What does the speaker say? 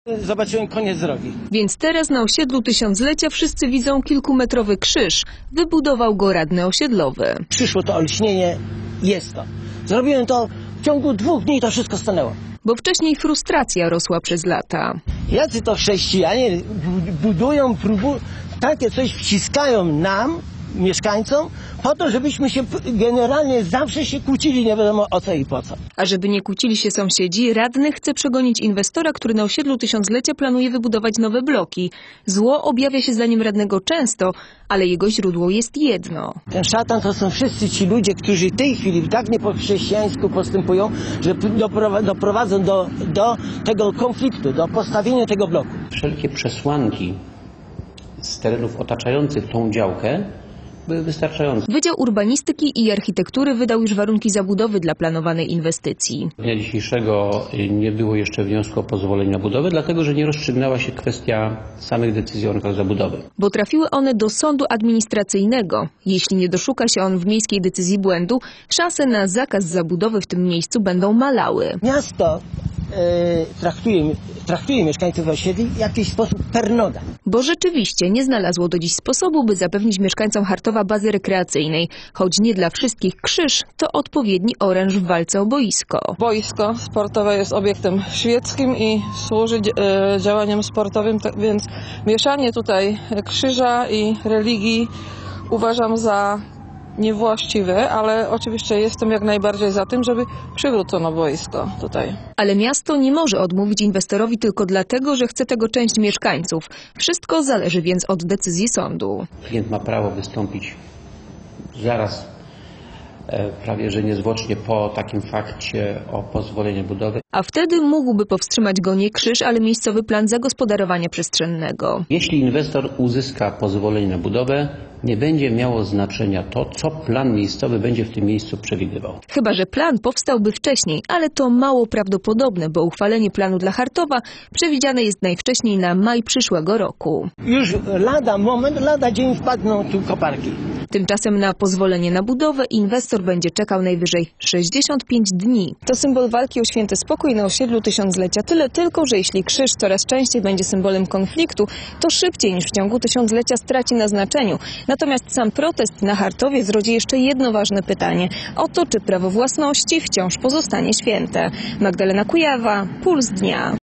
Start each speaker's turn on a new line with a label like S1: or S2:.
S1: Zobaczyłem koniec drogi.
S2: Więc teraz na osiedlu Tysiąclecia wszyscy widzą kilkumetrowy krzyż. Wybudował go radny osiedlowy.
S1: Przyszło to olśnienie, jest to. Zrobiłem to w ciągu 2 dni, to wszystko stanęło.
S2: Bo wcześniej frustracja rosła przez lata.
S1: Jacy to chrześcijanie budują, takie coś wciskają nam, mieszkańcom, po to, żebyśmy się generalnie zawsze się kłócili, nie wiadomo o co i po co.
S2: A żeby nie kłócili się sąsiedzi, radny chce przegonić inwestora, który na osiedlu Tysiąclecia planuje wybudować nowe bloki. Zło objawia się zdaniem radnego często, ale jego źródło jest jedno.
S1: Ten szatan to są wszyscy ci ludzie, którzy w tej chwili tak nie po chrześcijańsku postępują, że doprowadzą do tego konfliktu, do postawienia tego bloku.
S3: Wszelkie przesłanki z terenów otaczających tą działkę były wystarczające.
S2: Wydział Urbanistyki i Architektury wydał już warunki zabudowy dla planowanej inwestycji.
S3: Dnia dzisiejszego nie było jeszcze wniosku o pozwolenie na budowę, dlatego że nie rozstrzygnęła się kwestia samych decyzji o warunkach zabudowy.
S2: Bo trafiły one do sądu administracyjnego. Jeśli nie doszuka się on w miejskiej decyzji błędu, szanse na zakaz zabudowy w tym miejscu będą malały.
S1: Miasto traktuje mieszkańców osiedli w jakiś sposób per noga.
S2: Bo rzeczywiście nie znalazło do dziś sposobu, by zapewnić mieszkańcom Chartowa bazy rekreacyjnej. Choć nie dla wszystkich krzyż, to odpowiedni oręż w walce o boisko.
S4: Boisko sportowe jest obiektem świeckim i służy działaniom sportowym, więc mieszanie tutaj krzyża i religii uważam za niewłaściwe, ale oczywiście jestem jak najbardziej za tym, żeby przywrócono boisko tutaj.
S2: Ale miasto nie może odmówić inwestorowi tylko dlatego, że chce tego część mieszkańców. Wszystko zależy więc od decyzji sądu.
S3: Klient ma prawo wystąpić zaraz, prawie że niezwłocznie po takim fakcie o pozwolenie budowy.
S2: A wtedy mógłby powstrzymać go nie krzyż, ale miejscowy plan zagospodarowania przestrzennego.
S3: Jeśli inwestor uzyska pozwolenie na budowę, nie będzie miało znaczenia to, co plan miejscowy będzie w tym miejscu przewidywał.
S2: Chyba że plan powstałby wcześniej, ale to mało prawdopodobne, bo uchwalenie planu dla Chartowa przewidziane jest najwcześniej na maj przyszłego roku.
S1: Już lada dzień wpadną tu koparki.
S2: Tymczasem na pozwolenie na budowę inwestor będzie czekał najwyżej 65 dni. To symbol walki o święty spokój na osiedlu Tysiąclecia. Tyle tylko, że jeśli krzyż coraz częściej będzie symbolem konfliktu, to szybciej niż w ciągu tysiąclecia straci na znaczeniu. Natomiast sam protest na Chartowie zrodzi jeszcze jedno ważne pytanie. O to, czy prawo własności wciąż pozostanie święte. Magdalena Kujawa, Puls Dnia.